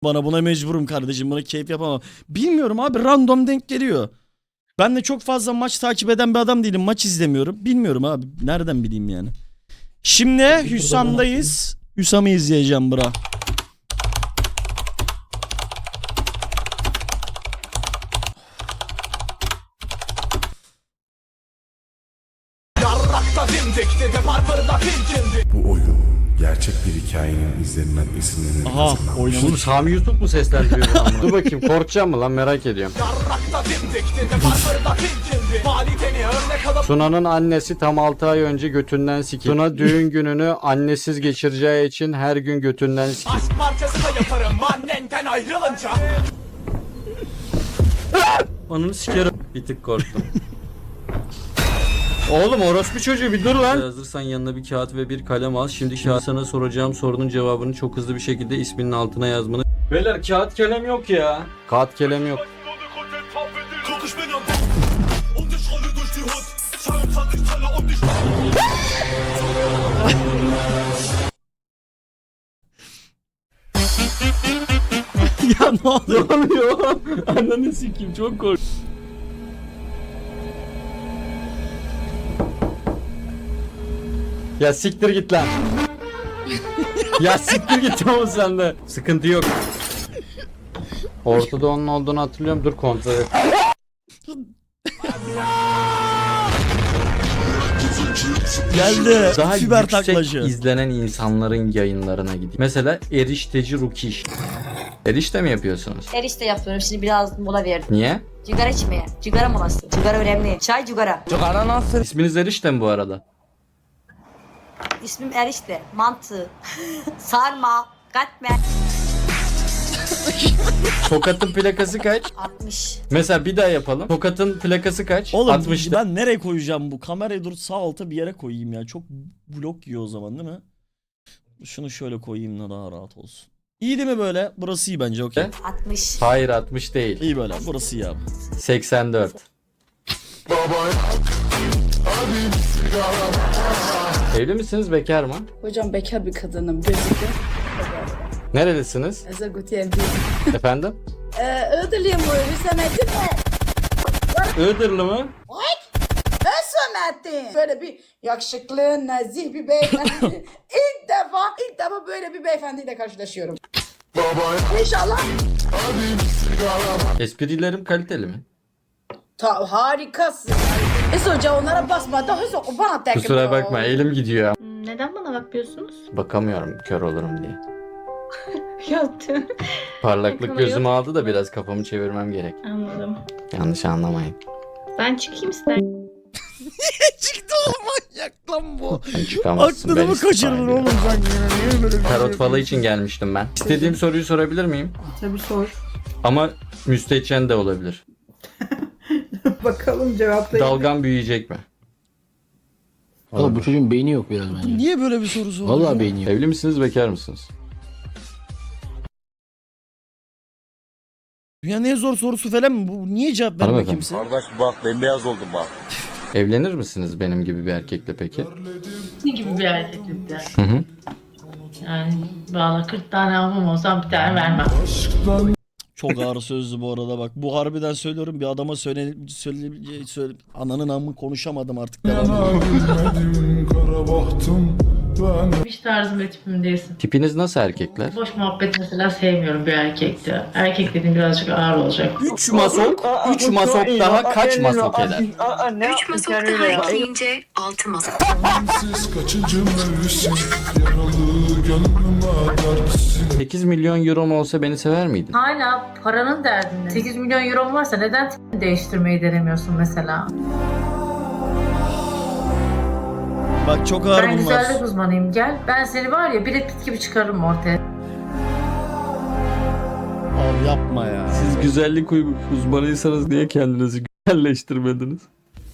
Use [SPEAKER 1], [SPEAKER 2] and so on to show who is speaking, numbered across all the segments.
[SPEAKER 1] Buna mecburum kardeşim. Buna keyif yapamam. Bilmiyorum abi, random denk geliyor. Ben de çok fazla maç takip eden bir adam değilim. Maç izlemiyorum. Bilmiyorum abi. Nereden bileyim yani. Şimdi Hüsam'dayız. Hüsam'ı izleyeceğim bra.
[SPEAKER 2] Bu oyun gerçek bir hikayenin izlerinden esinlenerek
[SPEAKER 1] Aha
[SPEAKER 2] hazırlanmış.
[SPEAKER 3] Oğlum
[SPEAKER 1] oynamış.
[SPEAKER 3] Sami Yusuf mu seslendiriyor bunu ama? Dur bakayım, korkacağım mı lan, merak ediyorum. Tuna'nın annesi tam 6 ay önce götünden sikildi. Tuna düğün gününü annesiz geçireceği için her gün götünden sikildi.
[SPEAKER 4] Aşk parçası da yaparım annenden ayrılınca.
[SPEAKER 3] Ananı sikerim. Bir tık korktum. Oğlum orospu çocuğu bir dur lan. Hazırsan yanına bir kağıt ve bir kalem al. Şimdi sana soracağım sorunun cevabını çok hızlı bir şekilde isminin altına yazmanı. Beyler kağıt kalem yok ya. Kağıt kalem yok.
[SPEAKER 1] Ya ne oluyor?
[SPEAKER 3] Ne oluyor? Ananı sikeyim, çok korktum. Ya siktir git lan. Ya siktir git oğlum sen de. Sıkıntı yok. Ortada onun olduğunu hatırlıyorum. Dur kontrol et.
[SPEAKER 1] Geldi.
[SPEAKER 3] Daha
[SPEAKER 1] Fiber
[SPEAKER 3] yüksek
[SPEAKER 1] taklacı.
[SPEAKER 3] izlenen insanların yayınlarına gideyim. Mesela erişteci Rukiş. Erişte mi yapıyorsunuz?
[SPEAKER 5] Erişte yapıyorum. Şimdi biraz mola verdim.
[SPEAKER 3] Niye?
[SPEAKER 5] Cigara içmeye. Cigara molası. Cigara önemli. Çay cigara.
[SPEAKER 3] İsminiz Erişte mi bu arada?
[SPEAKER 5] İsmim Erişte. Mantı. Sarma. Katmer.
[SPEAKER 3] Tokat'ın plakası kaç?
[SPEAKER 5] 60.
[SPEAKER 3] Mesela bir daha yapalım. Tokat'ın plakası kaç?
[SPEAKER 1] Oğlum
[SPEAKER 3] 60'tı.
[SPEAKER 1] ben nereye koyacağım bu? Kamerayı dur sağ alta bir yere koyayım ya. Çok blok yiyor o zaman değil mi? Şunu şöyle koyayım da daha rahat olsun. İyi değil mi böyle? Burası iyi bence, okey.
[SPEAKER 5] 60.
[SPEAKER 3] Hayır 60 değil.
[SPEAKER 1] İyi böyle. Burası iyi abi.
[SPEAKER 3] 84. Evli misiniz, bekar mı?
[SPEAKER 6] Hocam bekar bir kadınım. Gözükü.
[SPEAKER 3] Nerelisiniz?
[SPEAKER 6] Ezagutiyen
[SPEAKER 3] Efendim?
[SPEAKER 6] Iğdırlıyım bu. Hüsamettin mi?
[SPEAKER 3] Iğdırlı mı?
[SPEAKER 6] Hüsamettin. Böyle bir yakışıklı, nazih bir beyefendi. ilk defa böyle bir beyefendiyle karşılaşıyorum. İnşallah.
[SPEAKER 3] Esprilerim kaliteli mi?
[SPEAKER 6] Harikasın. Hoca onlara basma. Daha bana tekrar.
[SPEAKER 3] Kusura bakma, elim gidiyor.
[SPEAKER 7] Neden bana bakmıyorsunuz?
[SPEAKER 3] Bakamıyorum, kör olurum diye.
[SPEAKER 7] Yaptım.
[SPEAKER 3] Parlaklık
[SPEAKER 7] Yakını
[SPEAKER 3] gözümü
[SPEAKER 7] yok.
[SPEAKER 3] aldı da biraz kafamı çevirmem gerek.
[SPEAKER 7] Anladım.
[SPEAKER 3] Yanlış anlamayın.
[SPEAKER 7] Ben çıkayım ister.
[SPEAKER 1] Çıktı oğlum, manyak lan bu.
[SPEAKER 3] Sen çıkamazsın.
[SPEAKER 1] Aklını
[SPEAKER 3] ben
[SPEAKER 1] mı
[SPEAKER 3] istifa
[SPEAKER 1] kaçırdın
[SPEAKER 3] ediyorum.
[SPEAKER 1] oğlum sen yine? Niye böyle bir şey
[SPEAKER 3] Tarot falı için gelmiştim ben. İstediğim soruyu sorabilir miyim?
[SPEAKER 6] Tabii sor.
[SPEAKER 3] Ama müstehcen de olabilir.
[SPEAKER 6] Bakalım cevaplayın.
[SPEAKER 3] Dalgam büyüyecek mi?
[SPEAKER 8] Oğlum bu çocuğun beyni yok biraz bence.
[SPEAKER 1] Niye böyle bir soru sordun?
[SPEAKER 8] Vallahi beyni yok.
[SPEAKER 3] Evli misiniz, bekar mısınız?
[SPEAKER 1] Dünyanın en zor sorusu falan mı? Bu niye cevap vermiyor
[SPEAKER 3] Hanımefendi.
[SPEAKER 1] kimse?
[SPEAKER 9] Kardeş bak bembeyaz oldum bak.
[SPEAKER 3] Evlenir misiniz benim gibi bir erkekle peki?
[SPEAKER 10] Ne gibi bir hareketlikte?
[SPEAKER 3] Hı hı.
[SPEAKER 10] Yani valla 40 tane almam olsam bir tane vermem.
[SPEAKER 1] Çok ağır sözlü bu arada bak. Bu harbiden söylüyorum, bir adama söyle ananın amı konuşamadım artık. Devam.
[SPEAKER 10] Hiç tarzım ve tipim değilsin.
[SPEAKER 3] Tipiniz nasıl erkekler?
[SPEAKER 10] Boş muhabbet mesela sevmiyorum bir erkekte. Erkek dediğim birazcık ağır olacak.
[SPEAKER 3] 3 masok, 3 masok daha kaç masok eder?
[SPEAKER 11] 3 masok daha ekleyince 6 masok.
[SPEAKER 2] Kaçıncı mevsim yaralı gönlüme dersin.
[SPEAKER 3] 8 milyon euro olsa beni sever miydin?
[SPEAKER 10] Hala paranın derdinde. 8 milyon euro varsa neden tipini değiştirmeyi denemiyorsun mesela?
[SPEAKER 1] Bak çok ağır
[SPEAKER 10] Ben
[SPEAKER 1] bunlar.
[SPEAKER 10] güzellik uzmanıyım, gel. Ben seni var ya Brad Pitt gibi çıkarırım ortaya.
[SPEAKER 1] Abi yapma ya.
[SPEAKER 3] Siz güzellik uzmanıysanız niye kendinizi güzelleştirmediniz?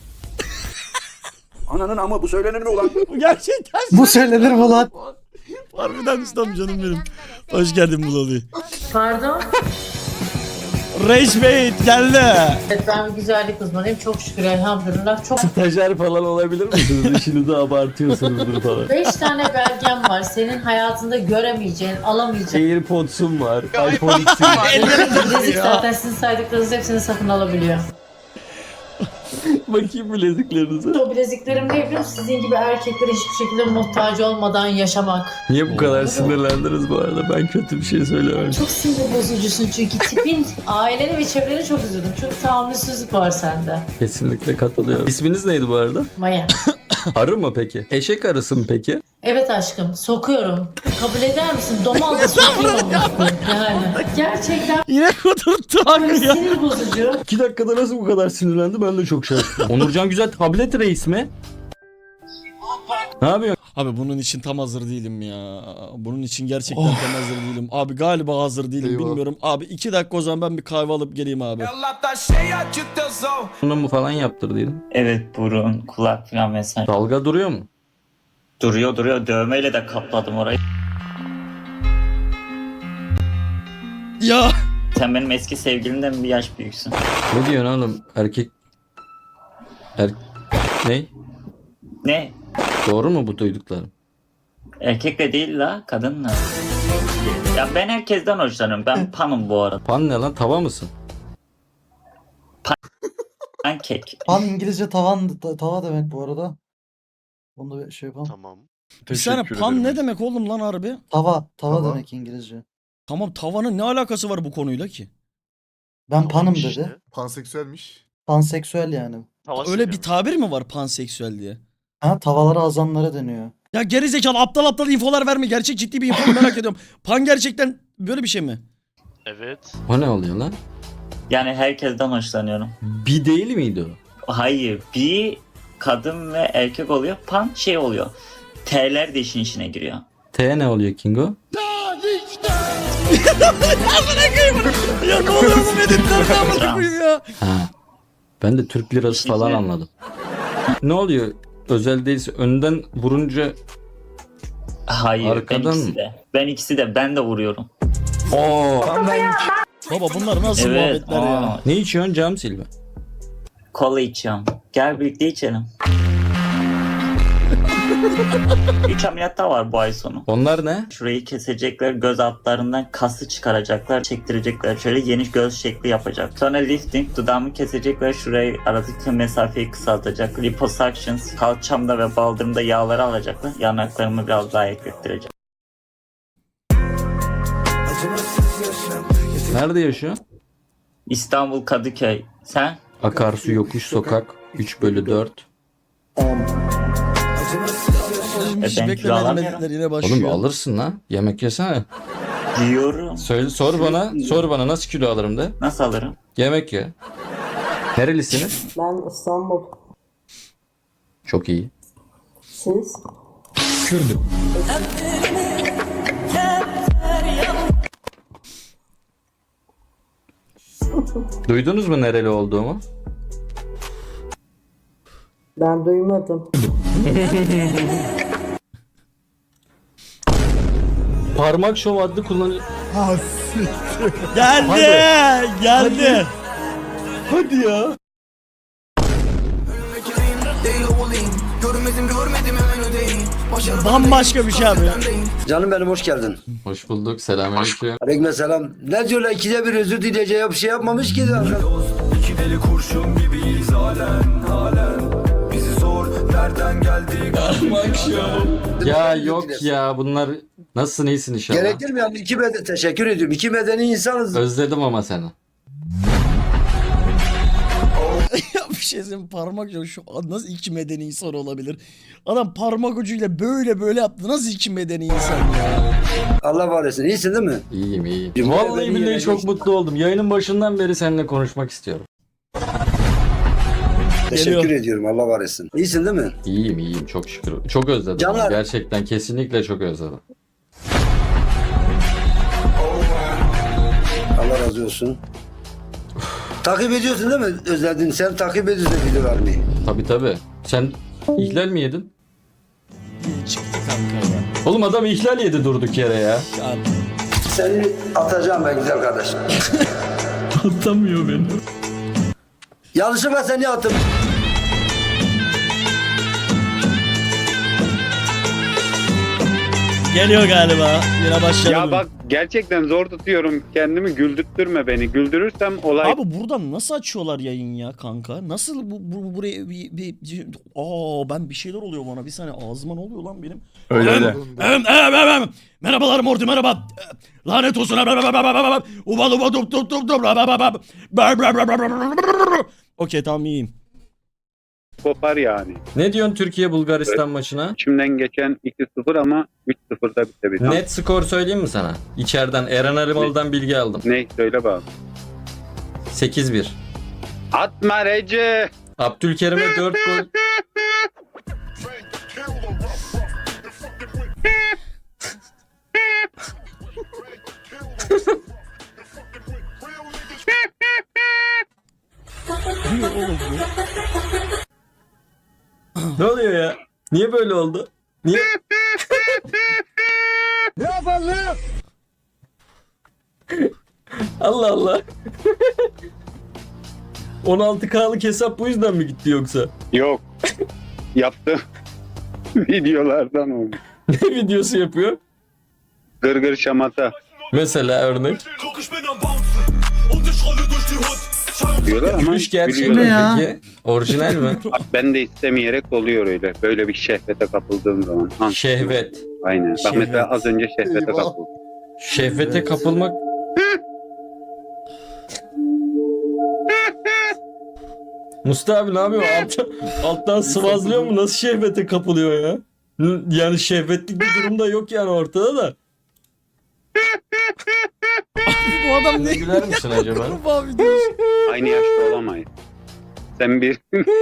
[SPEAKER 9] Ananın ama bu söylenir mi ulan?
[SPEAKER 1] Bu gerçekten
[SPEAKER 8] Bu söylenir mi lan?
[SPEAKER 1] harbiden ustam, canım benim. Hoş geldin Bulali.
[SPEAKER 10] Pardon?
[SPEAKER 1] Rage Bait geldi.
[SPEAKER 10] Evet, ben bir güzellik uzmanıyım. Çok şükür elhamdülillah. Çok
[SPEAKER 3] Stajyer falan olabilir misiniz? İşinizi abartıyorsunuzdur falan.
[SPEAKER 10] 5 tane belgem var. Senin hayatında göremeyeceğin, alamayacağın.
[SPEAKER 3] AirPods'um var. iPhone X'im var.
[SPEAKER 10] Bilezik zaten sizin saydıklarınız hepsini satın alabiliyor.
[SPEAKER 3] Bakayım bileziklerinize.
[SPEAKER 10] O bileziklerim ne biliyor musun? Sizin gibi erkeklere hiçbir şekilde muhtaç olmadan yaşamak.
[SPEAKER 3] Niye bu kadar sinirlendiniz bu arada? Ben kötü bir şey söylemedim.
[SPEAKER 10] Çok sinir bozucusun çünkü tipin, aileni ve çevreni çok üzüldüm. Çok tahammülsüzlük var sende.
[SPEAKER 3] Kesinlikle katılıyorum. İsminiz neydi bu arada?
[SPEAKER 10] Maya.
[SPEAKER 3] Arı mı peki? Eşek arısı mı peki?
[SPEAKER 10] Evet aşkım, sokuyorum. Kabul eder misin? Domal da sokuyorum. Yani gerçekten
[SPEAKER 1] Yine kudurttu abi ya.
[SPEAKER 10] sinir bozucu.
[SPEAKER 3] 2 dakikada nasıl bu kadar sinirlendi ben de çok şaşırdım. Onurcan Güzel tablet reis mi? Ne yapıyorsun?
[SPEAKER 1] Abi bunun için tam hazır değilim ya. Bunun için gerçekten tam hazır değilim. Abi galiba hazır değilim bilmiyorum. Abi 2 dakika o zaman ben bir kahve alıp geleyim abi.
[SPEAKER 3] Bunu mu falan yaptırdıydın?
[SPEAKER 12] Evet, burun, kulak falan vesaire.
[SPEAKER 3] Dalga duruyor mu?
[SPEAKER 12] Duruyor. Dövmeyle de kapladım orayı.
[SPEAKER 1] Ya.
[SPEAKER 12] Sen benim eski sevgilimden bir yaş büyüksün.
[SPEAKER 3] Ne diyorsun oğlum? Erkek... Ne?
[SPEAKER 12] Ne?
[SPEAKER 3] Doğru mu bu duyduklarım?
[SPEAKER 12] Erkekle değil la, kadınla. Ya ben herkesten hoşlanıyorum. Ben panım bu arada.
[SPEAKER 3] Pan ne lan? Tava mısın?
[SPEAKER 12] Pankek.
[SPEAKER 8] Pan İngilizce tava demek bu arada. Onu da bir şey yapalım.
[SPEAKER 9] Tamam.
[SPEAKER 1] Bir saniye pan ne demek oğlum lan harbi?
[SPEAKER 8] Tava
[SPEAKER 9] Tava.
[SPEAKER 8] demek İngilizce.
[SPEAKER 1] Tamam tavanın ne alakası var bu konuyla ki?
[SPEAKER 8] Ben panım dedi.
[SPEAKER 9] Panseksüelmiş.
[SPEAKER 8] Panseksüel yani.
[SPEAKER 1] Öyle bir tabir mi var panseksüel diye?
[SPEAKER 8] Ha, tavalara azanlara deniyor.
[SPEAKER 1] Ya gerizekalı aptal infolar verme. Gerçek ciddi bir info merak ediyorum. Pan gerçekten böyle bir şey mi?
[SPEAKER 9] Evet.
[SPEAKER 3] O ne oluyor lan?
[SPEAKER 12] Yani herkesten hoşlanıyorum.
[SPEAKER 3] Bir değil miydi o?
[SPEAKER 12] Hayır, bir kadın ve erkek oluyor. Pan şey oluyor. T'ler de işin içine giriyor.
[SPEAKER 3] T ne oluyor Kingo?
[SPEAKER 1] Ya ne oluyor bu medetlerden amına koyayım ya?
[SPEAKER 3] Ha. Ben de Türk lirası falan anladım. Ne oluyor? Özel değilse önden vurunca
[SPEAKER 12] Hayır,
[SPEAKER 3] arkadan
[SPEAKER 12] ben ikisi
[SPEAKER 3] mı?
[SPEAKER 12] de. Ben de vuruyorum.
[SPEAKER 3] Oo.
[SPEAKER 1] Baba bunlar nasıl
[SPEAKER 12] Evet.
[SPEAKER 1] muhabbetler ya?
[SPEAKER 3] Ne içiyorsun Cam Silva?
[SPEAKER 12] Kola içiyorum. Gel birlikte içelim. 3 ameliyat daha var bu ay sonu.
[SPEAKER 3] Onlar ne?
[SPEAKER 12] Şurayı kesecekler, göz altlarından kası çıkaracaklar, çektirecekler. Şöyle yeni göz şekli yapacak. Sonra lifting, dudağımı kesecekler, şurayı aradaki mesafeyi kısaltacak. Liposuctions, kalçamda ve baldırımda yağları alacaklar. Yanaklarımı biraz daha eklettirecek.
[SPEAKER 3] Nerede yaşıyor?
[SPEAKER 12] İstanbul Kadıköy. Sen?
[SPEAKER 3] Akarsu Yokuş Sokak 3/4.
[SPEAKER 1] Hiç
[SPEAKER 12] ben kilo
[SPEAKER 1] beklemedim
[SPEAKER 12] alamıyorum.
[SPEAKER 1] medetler yine başlıyor.
[SPEAKER 3] Oğlum alırsın lan. Yemek yesene.
[SPEAKER 12] Diyorum.
[SPEAKER 3] Söyle sor bana nasıl kilo alırım de.
[SPEAKER 12] Nasıl alırım?
[SPEAKER 3] Yemek ye. Nerelisiniz?
[SPEAKER 6] Ben İstanbul.
[SPEAKER 3] Çok iyi.
[SPEAKER 6] Siz?
[SPEAKER 3] Kürdüm. Duydunuz mu nereli olduğumu?
[SPEAKER 6] Ben duymadım.
[SPEAKER 3] Parmak şov adlı kullanıcı...
[SPEAKER 1] Geldi.
[SPEAKER 3] Hadi ya.
[SPEAKER 1] Bambaşka bir şey abi.
[SPEAKER 8] Canım benim hoş geldin.
[SPEAKER 3] Hoş bulduk. Selamünaleyküm.
[SPEAKER 8] Aleykümselam. Ne diyorlar, ikide bir özür dileyeceği bir şey yapmamış ki zaten.
[SPEAKER 4] İki deli kurşun gibiyiz halen. Bizi sor nereden geldik?
[SPEAKER 3] Ya yok ya bunlar nasılsın iyisin inşallah.
[SPEAKER 8] Gerekir mi yani? Teşekkür ediyorum. İki medeni insanız.
[SPEAKER 3] Özledim ama seni.
[SPEAKER 1] Ya bir şey söyleyeyim, parmak ucu şu nasıl iki medeni insan olabilir? Adam parmak ucuyla böyle yaptı. Nasıl iki medeni insan ya?
[SPEAKER 8] Allah var etsin. İyisin değil mi?
[SPEAKER 3] İyiyim.
[SPEAKER 8] Bir
[SPEAKER 3] Vallahi
[SPEAKER 8] medeni
[SPEAKER 3] billahi
[SPEAKER 8] yere
[SPEAKER 3] çok
[SPEAKER 8] geçtim.
[SPEAKER 3] mutlu oldum. Yayının başından beri seninle konuşmak istiyorum.
[SPEAKER 8] Teşekkür ediyorum. Allah var etsin. İyisin değil mi?
[SPEAKER 3] İyiyim çok şükür. Çok özledim.
[SPEAKER 8] Canlar.
[SPEAKER 3] Gerçekten kesinlikle çok özledim.
[SPEAKER 8] Allah razı olsun. Takip ediyorsun değil mi? Özledin. Sen takip ediyorsun video vermeyi.
[SPEAKER 3] Tabii. Sen ihlal mi yedin?
[SPEAKER 1] Çıktı kanka ya.
[SPEAKER 3] Oğlum adam ihlal yedi durduk yere ya.
[SPEAKER 1] Ya
[SPEAKER 8] Seni atacağım ben güzel kardeşim.
[SPEAKER 1] Atamıyor beni.
[SPEAKER 8] Yanlışlıkla seni attım.
[SPEAKER 1] Geliyor galiba. Yine başladı.
[SPEAKER 9] Ya bak gerçekten zor tutuyorum kendimi, güldürtme beni. Güldürürsem olay.
[SPEAKER 1] Abi buradan nasıl açıyorlar yayın ya kanka? Nasıl buraya ben bir şeyler oluyor bana. Bir saniye ağzıma ne oluyor lan benim?
[SPEAKER 9] Öyle.
[SPEAKER 1] Merhabalar Morty merhaba. Lanet olsun. Okey tamam iyiyim.
[SPEAKER 9] Kopar yani.
[SPEAKER 3] Ne diyorsun Türkiye Bulgaristan maçına?
[SPEAKER 9] İçimden geçen 2-0 ama 3-0'da bitebilir.
[SPEAKER 3] Net skor söyleyeyim mi sana? İçeriden Eren Alimalı'dan bilgi aldım.
[SPEAKER 9] Ne? Söyle bak.
[SPEAKER 3] 8-1.
[SPEAKER 9] Atma Recep.
[SPEAKER 3] Abdülkerim'e 4 gol. Ne oluyor ya? Niye böyle oldu? Niye?
[SPEAKER 8] Ne yapalım?
[SPEAKER 3] Allah Allah. 16K'lık hesap bu yüzden mi gitti yoksa?
[SPEAKER 9] Yok. Yaptım. Videolardan oldu.
[SPEAKER 3] Ne videosu yapıyor?
[SPEAKER 9] Gırgır şamata.
[SPEAKER 3] Mesela örnek.
[SPEAKER 9] Diyorlar ama
[SPEAKER 3] Gülüş gerçek mi
[SPEAKER 9] gülüyorlar.
[SPEAKER 3] peki? Orijinal mi?
[SPEAKER 9] Ben de istemeyerek oluyor öyle. Böyle bir şehvete kapıldığım zaman. Ha,
[SPEAKER 3] Şehvet.
[SPEAKER 9] aynen. Bak
[SPEAKER 1] Şehvet.
[SPEAKER 9] mesela az önce şehvete kapıldım.
[SPEAKER 3] Şehvete kapılmak. Mustafa abi ne yapıyor? Alttan sıvazlıyor mu? Nasıl şehvete kapılıyor ya? Yani şehvetlik bir durum da yok yani ortada da.
[SPEAKER 1] Bu adam ne?
[SPEAKER 3] Güler misin acaba?
[SPEAKER 9] Aynı yaşta olamayız. Sen bir...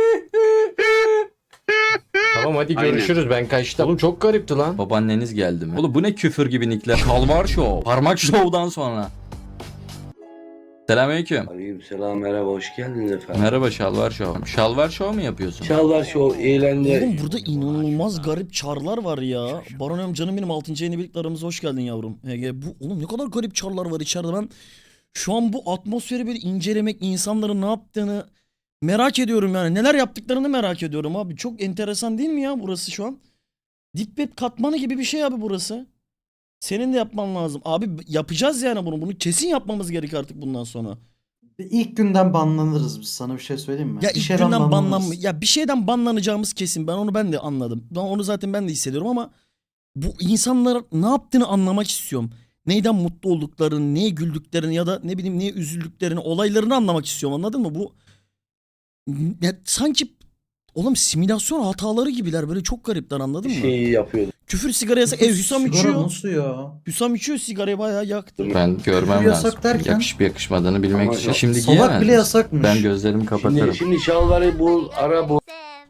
[SPEAKER 3] Tamam hadi
[SPEAKER 9] Aynen.
[SPEAKER 3] görüşürüz ben kaçtım. Oğlum çok garipti lan. Babaanneniz geldi mi? Oğlum bu ne küfür gibi nickler. Kalvar Show. Parmak Show'dan sonra. Selamünaleyküm.
[SPEAKER 8] Aleykümselam, merhaba, hoş geldiniz efendim.
[SPEAKER 3] Merhaba Şalvar Show. Şalvar Show mu yapıyorsun?
[SPEAKER 8] Şalvar Show eğlence.
[SPEAKER 1] Oğlum burada inanılmaz garip çarlar var ya. Baron canım benim 6. yeni birlikte aramıza hoş geldin yavrum. Bu oğlum ne kadar garip çarlar var içeride. Ben şu an bu atmosferi bir incelemek, insanların ne yaptığını merak ediyorum yani. Neler yaptıklarını merak ediyorum abi. Çok enteresan değil mi ya burası şu an? Deep web katmanı gibi bir şey abi burası. Senin de yapman lazım. Abi yapacağız yani bunu. Bunu kesin yapmamız gerek artık bundan sonra.
[SPEAKER 13] İlk günden banlanırız biz, sana bir şey söyleyeyim mi?
[SPEAKER 1] Ya
[SPEAKER 13] Bir
[SPEAKER 1] ilk
[SPEAKER 13] şeyden
[SPEAKER 1] günden
[SPEAKER 13] banlanırız.
[SPEAKER 1] ya bir şeyden banlanacağımız kesin. Ben de anladım. Onu zaten ben de hissediyorum ama bu insanlar ne yaptığını anlamak istiyorum. Neyden mutlu olduklarını, neye güldüklerini ya da ne bileyim neye üzüldüklerini, olaylarını anlamak istiyorum. Anladın mı? Bu ya sanki oğlum simülasyon hataları gibiler. Böyle çok garipler, anladın mı?
[SPEAKER 8] Şeyi yapıyordum.
[SPEAKER 1] Küfür sigara yasak. Hüsam
[SPEAKER 13] Sigara
[SPEAKER 1] içiyor.
[SPEAKER 13] nasıl ya?
[SPEAKER 1] Hüsam içiyor, sigarayı bayağı yaktı.
[SPEAKER 3] Ben görmem
[SPEAKER 13] Küfür
[SPEAKER 3] lazım.
[SPEAKER 13] yasak derken?
[SPEAKER 3] Yakışıp yakışmadığını bilmek
[SPEAKER 8] Ama
[SPEAKER 3] için. Şimdi
[SPEAKER 13] Salak
[SPEAKER 3] giyemez.
[SPEAKER 13] bile yasakmış.
[SPEAKER 3] Ben gözlerimi kapatırım.
[SPEAKER 8] Şimdi şalvarı bul, ara bul.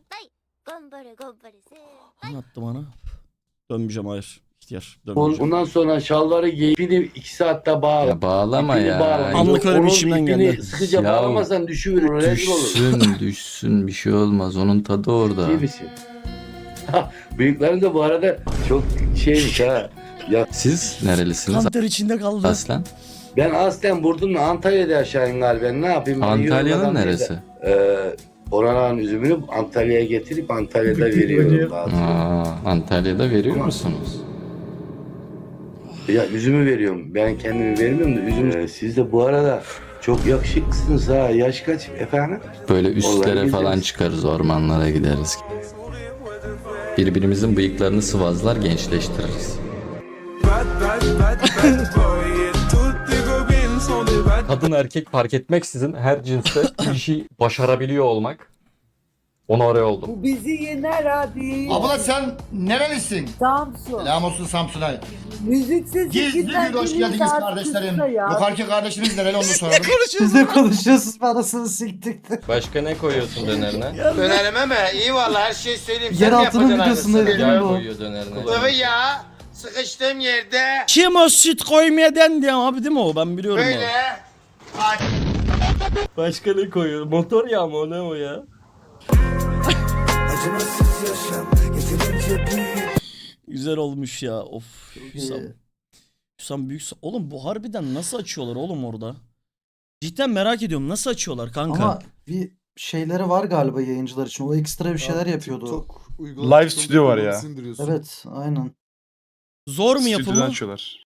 [SPEAKER 1] Anlattı bana. Dönmeyeceğim, hayır. İhtiyar. Dönmeyeceğim.
[SPEAKER 8] Ondan sonra şalvarı giy, ipini 2 saatte bağla.
[SPEAKER 3] Ya bağlama
[SPEAKER 8] İpini
[SPEAKER 3] ya.
[SPEAKER 8] bağla.
[SPEAKER 1] Anlık öyle bir
[SPEAKER 8] Onun
[SPEAKER 1] işimden
[SPEAKER 8] ipini
[SPEAKER 1] geldi.
[SPEAKER 8] sıkıca
[SPEAKER 3] Ya,
[SPEAKER 8] bağlamazsan düşüverir, rezil olur.
[SPEAKER 3] Düşsün bir şey olmaz. Onun tadı orada.
[SPEAKER 8] İyi misin? Büyüklerin de bu arada çok şeymiş ha. Ya
[SPEAKER 3] Siz nerelisiniz
[SPEAKER 1] Kanter içinde kaldı.
[SPEAKER 3] aslen?
[SPEAKER 8] ben aslen Burdun'la Antalya'da yaşayayım galiba. Ne yapayım? Ben
[SPEAKER 3] Antalya'nın
[SPEAKER 8] yorulmadan
[SPEAKER 3] neresi?
[SPEAKER 8] Oranın üzümünü Antalya'ya getirip Antalya'da veriyorum bazen.
[SPEAKER 3] Antalya'da veriyor musunuz?
[SPEAKER 8] Ya üzümü veriyorum. Ben kendimi vermiyorum da üzüm. Siz de bu arada çok yakışıklısınız ha. Yaş kaç efendim?
[SPEAKER 3] Böyle üstlere
[SPEAKER 8] Vallahi
[SPEAKER 3] falan
[SPEAKER 8] biliriz.
[SPEAKER 3] çıkarız, ormanlara gideriz. Birbirimizin bıyıklarını sıvazlar, gençleştiririz. Kadın erkek fark etmeksizin her cinste bir işi başarabiliyor olmak. Onore oldum.
[SPEAKER 6] Bu bizi yener abi.
[SPEAKER 13] Abla sen nerelisin?
[SPEAKER 6] Samsun.
[SPEAKER 13] Selam olsun Samsun'a.
[SPEAKER 6] Müziksiz
[SPEAKER 13] Gizli bir hoş geldiniz kardeşlerim. Yukarıki kardeşiniz nereli onu soralım.
[SPEAKER 1] Konuşuyoruz.
[SPEAKER 13] Biz de konuşuyoruz, parasını siktik.
[SPEAKER 3] Başka ne koyuyorsun dönerine?
[SPEAKER 8] Dönerime mi? İyi valla her şeyi söyleyeyim.
[SPEAKER 13] Yer altının videosunda değil mi
[SPEAKER 3] Yağ
[SPEAKER 13] bu?
[SPEAKER 3] koyuyor dönerine.
[SPEAKER 8] ya. Sıkıştığım yerde
[SPEAKER 1] Kim o süt koymaya dendi abi, değil mi o? Ben biliyorum abi.
[SPEAKER 3] Başka ne koyuyor? Motor yağı mı o, ne o ya?
[SPEAKER 1] Güzel olmuş ya. Of. Hüsam. Hüsam büyük. Oğlum bu harbiden nasıl açıyorlar oğlum orada? Cidden merak ediyorum nasıl açıyorlar kanka?
[SPEAKER 14] Ama bir şeyleri var galiba yayıncılar için. O ekstra bir şeyler yapıyordu.
[SPEAKER 2] Live stüdyo var ya.
[SPEAKER 14] Evet, aynen.
[SPEAKER 1] Zor mu yapımı?
[SPEAKER 2] açıyorlar.